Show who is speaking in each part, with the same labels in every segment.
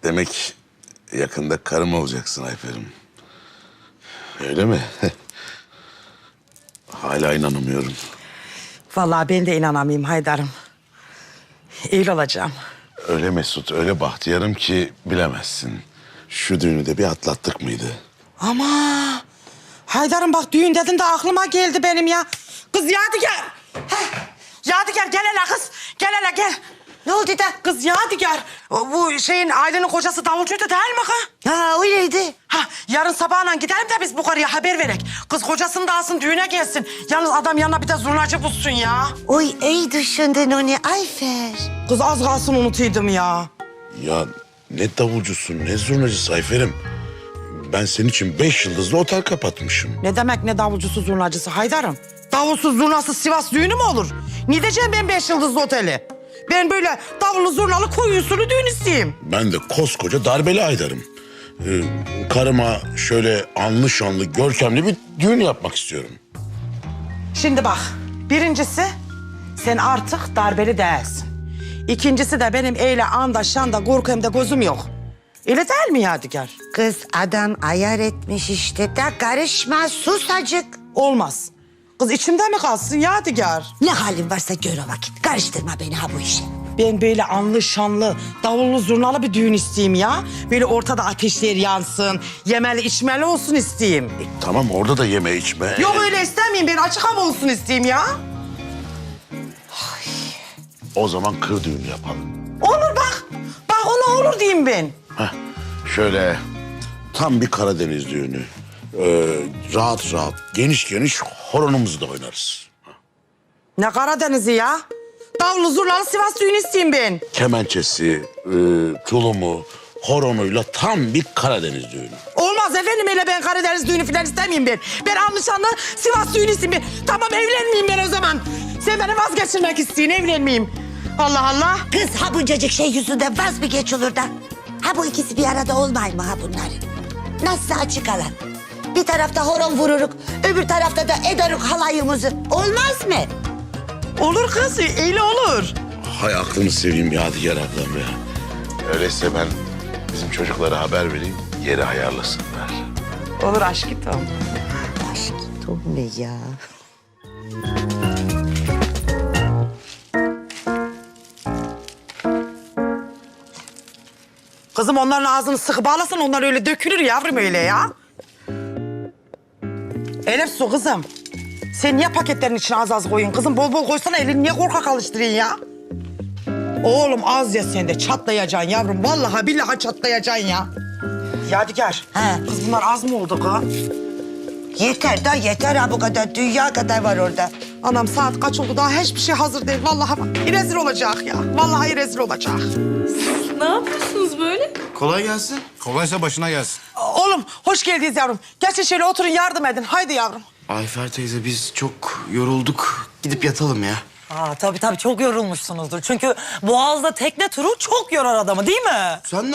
Speaker 1: Demek yakında karım olacaksın Ayfer'im. Öyle mi? Hala inanamıyorum.
Speaker 2: Vallahi ben de inanamayayım Haydar'ım. İyi olacağım.
Speaker 1: Öyle Mesut, öyle bahtiyarım ki bilemezsin. Şu düğünü de bir atlattık mıydı?
Speaker 2: Ama Haydar'ım bak düğün dedin de aklıma geldi benim ya. Kız Yadigar. Heh. Yadigar gel hele kız. Gel hele gel. Ne oldu da? Kız Yadigar. Bu şeyin Aylin'in kocası davulcuydu değil mi kız?
Speaker 3: Ha öyleydi.
Speaker 2: Ha yarın sabahla gidelim de biz bu karıya haber verek. Kız kocasını da alsın düğüne gelsin. Yalnız adam yanına bir de zurnacı bulsun ya.
Speaker 3: Oy iyi düşündün onu Ayfer.
Speaker 2: Kız az kalsın unutuydum ya.
Speaker 1: Ya ne davulcusun, ne zurnacısı Ayfer'im. Ben senin için 5 yıldızlı otel kapatmışım.
Speaker 2: Ne demek ne davulcusu zurnacısı Haydar'ım? Davulsuz zurnasız Sivas düğünü mü olur? Ne diyeceğim ben 5 yıldızlı oteli? Ben böyle davullu zurnalı koyu usulü düğün isteyeyim.
Speaker 1: Ben de koskoca darbeli Aydar'ım. Karıma şöyle anlı şanlı, görkemli bir düğün yapmak istiyorum.
Speaker 2: Şimdi bak, birincisi sen artık darbeli değilsin. İkincisi de benim eyle anda şanda korkumda gözüm yok. Öyle değil mi Yadigar?
Speaker 3: Kız adam ayar etmiş işte de karışma sus acık.
Speaker 2: Olmaz. Kız içimde mi kalsın Yadigar?
Speaker 3: Ne halin varsa gör o vakit. Karıştırma beni ha bu işe.
Speaker 2: Ben böyle anlı şanlı, davullu zurnalı bir düğün isteyeyim ya. Böyle ortada ateşler yansın, yemeli içmeli olsun isteyeyim.
Speaker 1: Tamam orada da yeme içme.
Speaker 2: Yok öyle istemeyeyim ben açık hava olsun isteyeyim ya.
Speaker 1: O zaman kır düğünü yapalım.
Speaker 2: Olur bak. Bak ona olur diyeyim ben.
Speaker 1: Heh, şöyle tam bir Karadeniz düğünü. Rahat rahat, geniş geniş horonumuzu da oynarız.
Speaker 2: Ne Karadeniz'i ya? Davullu zurnalı Sivas düğünü isteyeyim ben.
Speaker 1: Kemençesi, tulumu, horonuyla tam bir Karadeniz düğünü.
Speaker 2: Olmaz efendim öyle ben Karadeniz düğünü falan istemeyeyim ben. Ben anlaşanlı Sivas düğünü isteyeyim ben. Tamam evlenmeyeyim ben o zaman. Sen beni vazgeçirmek isteyin evlenmeyeyim. Allah Allah.
Speaker 3: Kız ha buncacık şey yüzünden vaz mı geç olur da? Ha bu ikisi bir arada olmay mı ha bunların? Nasıl açık alan? Bir tarafta horon vururuk, öbür tarafta da ederuk halayımızı. Olmaz mı?
Speaker 2: Olur kız öyle olur.
Speaker 1: Hay aklını seveyim Yadigar ablam ya. Öyleyse ben bizim çocuklara haber vereyim, yeri ayarlasınlar.
Speaker 2: Olur aşkım.
Speaker 3: Aşk ne ya?
Speaker 2: Kızım onların ağzını sıkı bağlasan onlar öyle dökülür yavrum öyle ya. Elif su kızım. Sen niye paketlerin içine az az koyun kızım? Bol bol koysana elini niye korkak alıştırıyorsun ya? Oğlum az ya sen de çatlayacaksın yavrum. Vallahi billahi çatlayacaksın ya. Yadigar.
Speaker 3: He.
Speaker 2: Kız bunlar az mı oldu kız?
Speaker 3: Yeter da yeter ha bu kadar. Dünya kadar var orada.
Speaker 2: Anam saat kaç oldu daha hiçbir şey hazır değil. Vallahi bak rezil olacak ya. Vallahi rezil olacak.
Speaker 4: Ne yapıyorsunuz böyle?
Speaker 5: Kolay gelsin. Kolaysa başına gelsin.
Speaker 2: Oğlum hoş geldiniz yavrum. Geçin şöyle oturun yardım edin. Haydi yavrum.
Speaker 5: Ayfer teyze biz çok yorulduk. Gidip yatalım ya.
Speaker 6: Tabii çok yorulmuşsunuzdur. Çünkü Boğaz'da tekne turu çok yorar adamı değil mi?
Speaker 5: Sen ne...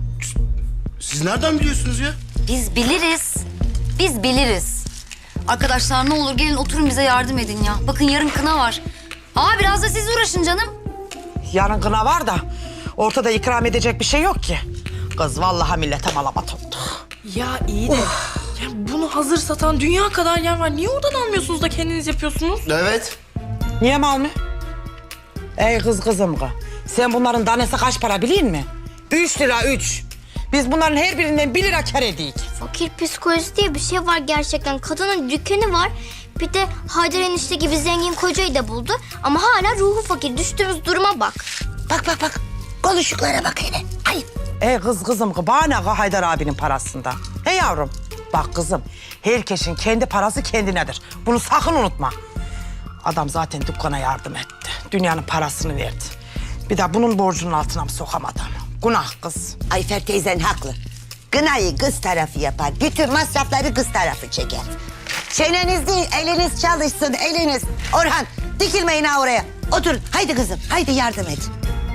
Speaker 5: Siz nereden biliyorsunuz ya?
Speaker 7: Biz biliriz. Biz biliriz. Arkadaşlar ne olur gelin oturun bize yardım edin ya. Bakın yarın kına var. Biraz da siz uğraşın canım.
Speaker 2: Yarın kına var da ortada ikram edecek bir şey yok ki. Kız vallahi millete malamat oldu.
Speaker 4: Ya iyi de ya bunu hazır satan dünya kadar yer var. Niye oradan almıyorsunuz da kendiniz yapıyorsunuz?
Speaker 5: Evet.
Speaker 2: Niye mal mı? Ey kızım kız. Sen bunların tanesi kaç para biliyor musun? 3 lira 3. Biz bunların her birinden 1 lira kar ediyik.
Speaker 8: Fakir psikolojisi diye bir şey var gerçekten. Kadının dükkanı var. Bir de Haydar enişte gibi zengin kocayı da buldu. Ama hala ruhu fakir. Düştüğümüz duruma bak.
Speaker 3: Bak. Konuşuklara bak hele. Ayıp.
Speaker 2: Ey kızım kız. Bana ne Haydar abinin parasında? Hey yavrum. Bak kızım. Herkesin kendi parası kendinedir. Bunu sakın unutma. Adam zaten dükkana yardım etti. Dünyanın parasını verdi. Bir de bunun borcunun altına mı sokamadı ama? Günah kız.
Speaker 3: Ayfer teyzen haklı. Gınayı kız tarafı yapar. Bütün masrafları kız tarafı çeker. Çeneniz değil, eliniz çalışsın, eliniz. Orhan, dikilmeyin ha oraya. Oturun, haydi kızım, haydi yardım et.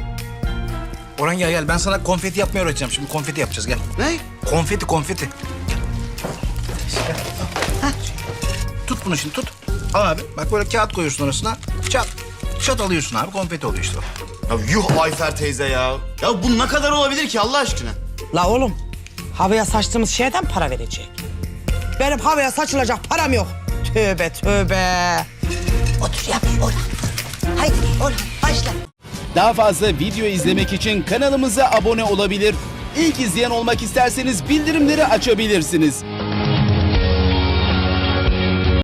Speaker 9: Orhan gel. Ben sana konfeti yapmayı öğreteceğim. Şimdi konfeti yapacağız gel.
Speaker 5: Ne?
Speaker 9: Konfeti. Gel. Tut bunu şimdi tut. Al abi. Bak böyle kağıt koyuyorsun orasına. Çat. Şat alıyorsun abi, konfeti oluyor işte.
Speaker 5: Ya yuh Ayfer teyze ya. Ya bu ne kadar olabilir ki Allah aşkına?
Speaker 2: La oğlum, havaya saçtığımız şeyden para verecek. Benim havaya saçılacak param yok. Tövbe tövbe.
Speaker 3: Otur yavaş Orhan. Haydi Orhan başla.
Speaker 10: Daha fazla video izlemek için kanalımıza abone olabilir. İlk izleyen olmak isterseniz bildirimleri açabilirsiniz.